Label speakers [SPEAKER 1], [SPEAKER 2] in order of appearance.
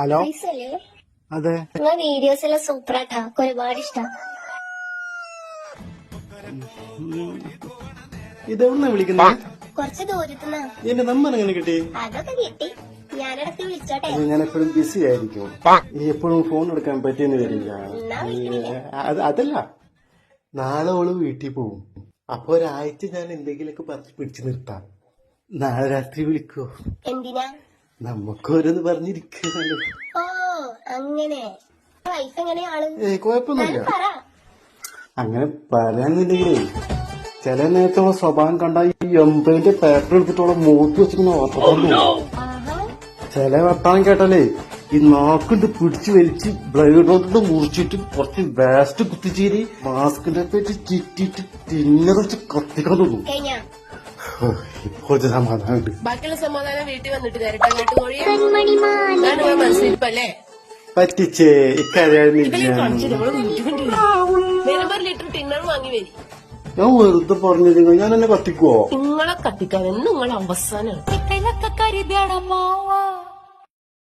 [SPEAKER 1] Hello അതെ
[SPEAKER 2] നിങ്ങളെ videos എല്ലാം സൂപ്പറാട്ടാ, ഒരുപാട് ഇഷ്ടം.
[SPEAKER 1] ഇതെവിടുന്നാ വിളിക്കുന്നത്?
[SPEAKER 2] കുറച്ച് ദൂരത്തുനിന്നാ.
[SPEAKER 1] എന്റെ നമ്പർ എങ്ങനെ കിട്ടി?
[SPEAKER 2] അതൊക്കെ കിട്ടി, ഞാനിടക്ക് വിളിച്ചോട്ടെ.
[SPEAKER 1] ഞാൻ എപ്പോഴും ബിസി ആയിരിക്കും, ഈ എപ്പോഴും ഫോൺ എടുക്കാൻ പറ്റിയെന്ന് വരില്ല. അതല്ല, നാളെ ഓള് വീട്ടിൽ പോവും. അപ്പൊ ഒരാഴ്ച ഞാൻ എന്തെങ്കിലുമൊക്കെ പറഞ്ഞ് പിടിച്ചു നിർത്താം. നാളെ രാത്രി വിളിക്കോ?
[SPEAKER 2] എന്തിനാ?
[SPEAKER 1] നമുക്കോരോന്ന് പറഞ്ഞിരിക്കണല്ലോ.
[SPEAKER 2] ഓ അങ്ങനെ. വൈഫ് എങ്ങനെയാള്?
[SPEAKER 1] കുഴപ്പമൊന്നുമില്ല. അങ്ങനെ പറയാന്നുണ്ടെങ്കിലേ ചില നേരത്തോളം സ്വഭാവം കണ്ട ഈ 80 പേപ്പർ എടുത്തിട്ടോളം മൂത്ത് വെച്ചിങ്ങനെ ഓർത്തല്ലോ. ചില വർത്താനം കേട്ടാലേ ഈ നാക്കിട്ട് പിടിച്ചു വലിച്ച് ബ്ലേഡ് കൊണ്ട് മുറിച്ചിട്ട് കുറച്ച് വേസ്റ്റ് കുത്തിച്ചേരി മാസ്കിന്റെ പേറ്റ് ചുറ്റിട്ട് തിന്നറച്ച് കത്തിക്കാൻ തോന്നും. ഇപ്പോഴത്തെ സമാധാനം
[SPEAKER 3] ബാക്കിയുള്ള സമാധാനം വീട്ടിൽ വന്നിട്ട് തരട്ടെ. മനസ്സിലിപ്പല്ലേ
[SPEAKER 1] പറ്റിച്ചേ ഇക്കാര്യം
[SPEAKER 3] ലിറ്റർ ടിന്നർ വാങ്ങി വരി.
[SPEAKER 1] ഞാൻ വെറുതെ പറഞ്ഞിരുന്നു, ഞാൻ എന്നെ കത്തിക്കുവോ?
[SPEAKER 3] നിങ്ങളെ കത്തിക്കാൻ നിങ്ങൾ അവസാനം